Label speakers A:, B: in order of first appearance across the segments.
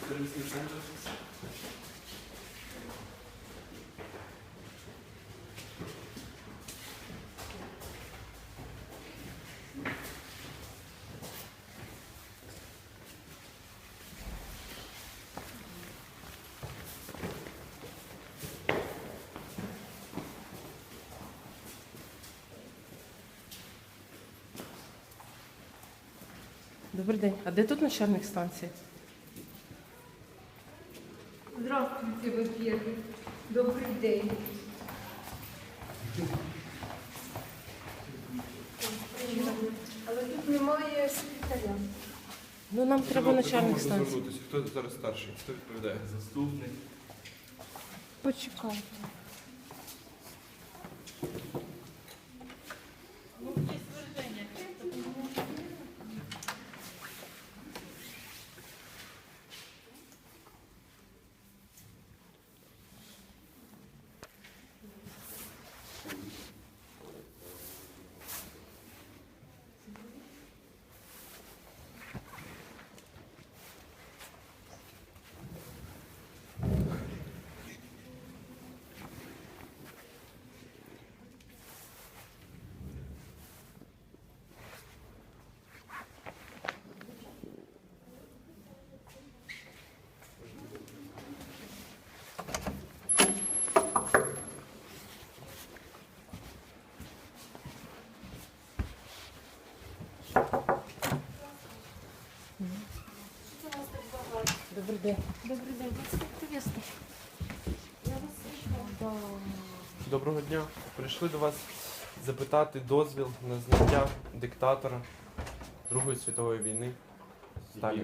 A: сервісний центр.
B: Добрий день. А де тут начальник станції?
C: Здравствуйте, во-первых. Добрий день. Але тут немає секретаря.
B: Ну, нам треба начальник станції.
A: Звернутися. Хто зараз старший? Хто відповідає? Заступник.
C: Почекайте.
B: Добрий день.
C: Добрий день. Вас приветствую. Я вас слышала.
A: Доброго дня. Прийшли до вас запитати дозвіл на зняття диктатора Другої світової війни. Сталіна.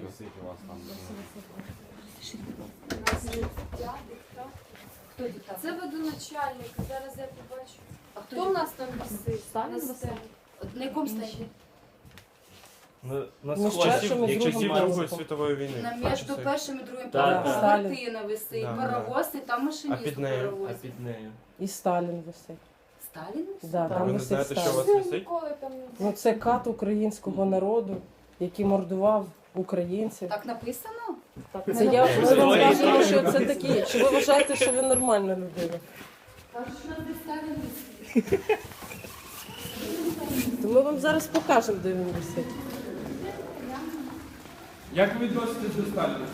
C: Хто диктатор? Це водоначальник. Зараз я побачу.
D: А
C: Хто в нас там висить?
D: Сталін
C: На
D: висить?
C: стелі. На якому стенді?
A: На
B: Ну, з часом і
A: як часів
B: Другого
A: Другої
B: Світової.
A: світової війни.
C: На
A: Бачите?
C: між першим і другим
D: Так,
C: поверхом
B: так.
C: картина висить,
A: Да.
C: паровоз, і там
A: А
C: машиніст
A: під
C: у
A: нею?
C: паровозі.
D: під нею.
B: І Сталін висить.
C: Сталін висить?
B: Да,
A: А
B: там
A: ви не
B: висить
A: знаєте, що у
B: Сталін.
A: вас висить?
B: Ну, це кат українського народу, який мордував українців.
C: Так написано?
B: Це я ми вам кажемо, що це такі. Чи ви вважаєте, що ви нормальна людина?
C: Кажуть, що нам десь Сталін висить.
B: То ми вам зараз покажемо, де він висить.
A: Як ви відноситесь до Сталіна?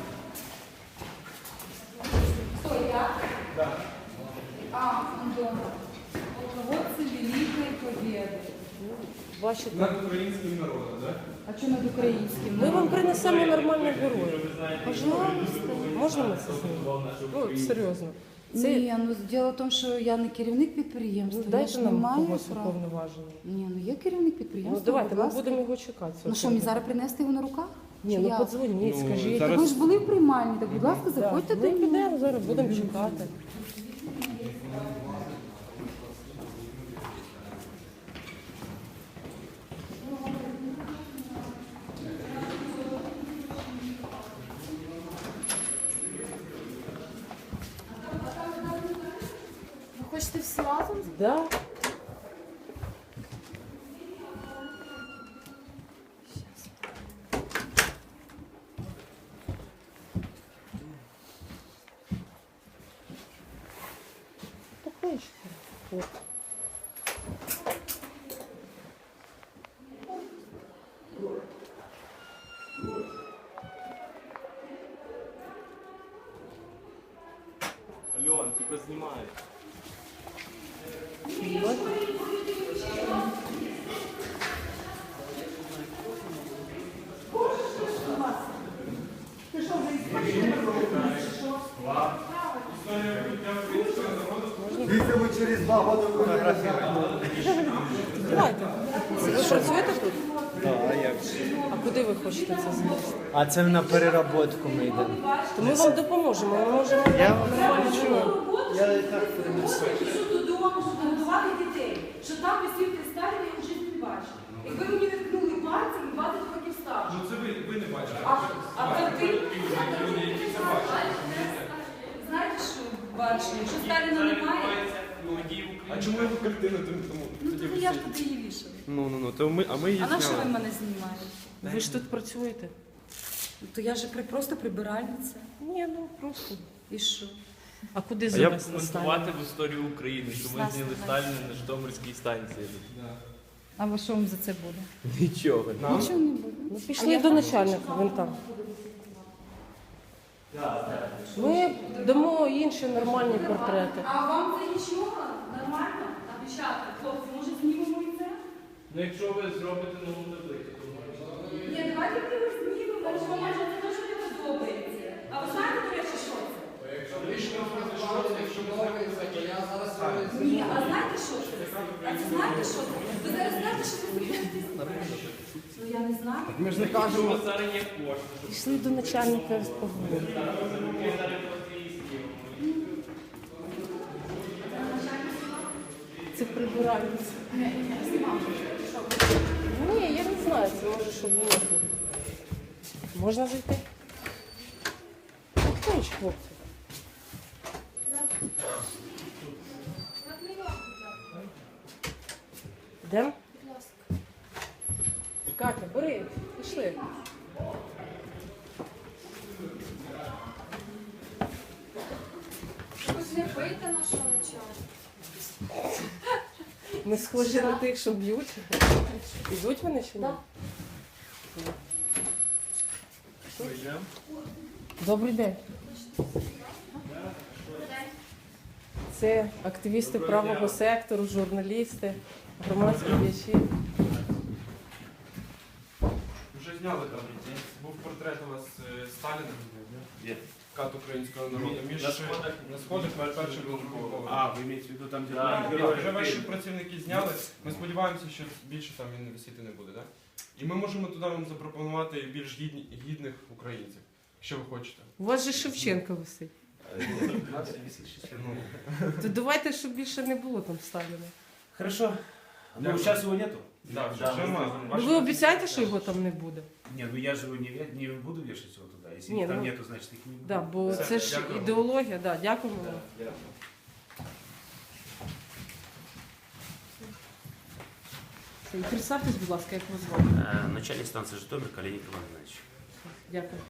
C: Хто я?
A: Да.
C: А, он дома. Полководцы Великой Победы.
B: Бачите?
A: Над українським народом, так?
C: А что над украинским?
B: Ми вам принесемо нормальних героїв.
C: Пожалуйста.
B: Можна ми це знімемо? Ну, серйозно. Це
C: Ні, ну діло в тому, що я не керівник підприємства.
B: ну,
C: я
B: дайте
C: ж
B: нам
C: не маю
B: когось
C: права.
B: уповноваженого.
C: Ні, ну я керівник
B: Ну
C: підприємства.
B: давайте,
C: будь
B: ми
C: ласка.
B: будемо його чекати.
C: Ну що, мені зараз принести його на руках?
B: Ні,
C: Чи
B: ну
C: я?
B: подзвоніть,
A: Ну,
B: скажіть.
A: зараз-
C: Ви ж були в приймальні, так будь ласка, заходьте
B: Ми
C: до мене.
B: підемо зараз, будемо чекати.
C: Ви хочете всі разом?
B: Да. Покличте. От.
D: Альон, тільки знімай.
E: Если вы через 2 года фотографируете.
B: Давайте. Ви працюєте тут?
E: Да, а як?
B: А куди ви хочете це занести?
E: А це на переработку ми йдемо.
B: То ми вам допоможемо. Ми можемо
E: Я
B: нормально чого.
E: Я і так принесу.
F: Додому, щоб годувати дітей. Що там висів той Сталін, я вже не бачив. Якби мені не ткнули пальцем, 20 років старше.
A: Ну це ви не бачите.
F: А ви
A: Люди, які це бачать.
F: знаєте, що бачили? Якщо Сталіна немає,
A: А чому його картина тому
F: ну
A: тоді
F: то я ж
A: висить?
F: туди її вішала.
A: Ну, то ми, а ми її
F: А на що ви
A: зняли.
F: мене знімаєте?
B: Ви ж тут працюєте.
F: То я же просто прибиральниця.
B: Ні, ну просто.
F: І що?
B: А куди
D: А як
B: завести
D: коментувати
B: Сталіна?
D: в історію України, що ми зняли Сталіна на Житомирській станції?
C: А ви що вам за це буде?
D: Нічого.
C: Нічого не буде.
B: Ну, пішли до начальника, він там. Ми дамо інші нормальні портрети.
F: А вам це нічого? Нормально? А дівчата, хлопці, може знімемо і це?
D: Ну якщо ви зробите нову таблицю, то можна.
F: Ні, давайте ми його знімемо, тому що може це дуже не подобається. А ви знаєте, до речі, що це? Ні, а знаєте, що це? А це знаєте, що це? Ви зараз знаєте, що ви собі. Ну я не знаю.
E: Ми ж не кажемо.
D: Зараз є кошти, щоб
B: Пішли до начальника поговоримо.
D: ми зараз просто її знімемо.
B: Це прибиральниця. Ні, я не знаю, це може, щоб було. Можна зайти? Хто ж, хлопці? Йдемо? Катя, бери, пішли.
C: Сліпити нашого начальника.
B: Ми схожі на тих, що б'ють. Ідуть вони чи ні? Добрий день. Це активісти правого сектору, журналісти, громадські діячі.
A: Вже зняли там. Був портрет у вас Сталіна.
D: Є.
A: Кат українського народу. Між
D: На сходах?
A: на сходах перший був поверх.
D: А, ви маєте в виду там, де
A: Так,
D: герої?
A: вже ваші працівники зняли. Ми сподіваємося, що більше там він висіти не буде, так? І ми можемо туди вам запропонувати більш гідних українців, якщо ви хочете.
B: У вас же Шевченко висить.
A: Ну,
B: То давайте, щоб більше не було там Сталіна.
G: Хорошо. Ну, сейчас его нету?
A: да,
D: Да,
A: вже ми-
B: Ну
A: ваші
B: ви обіцяєте, що його там не буде?
G: Не, ну я же его не буду вешать его туда. Если
B: Не,
G: там
B: ну-
G: нету, значит их не будет.
B: Да, бо
A: Все,
B: це ж
A: дякую.
B: ідеологія, да, дякуємо вам. І представтесь, будь ласка, як вас звати.
H: Начальник станции Житомир Калиник Иван Иванович.
B: Дякую.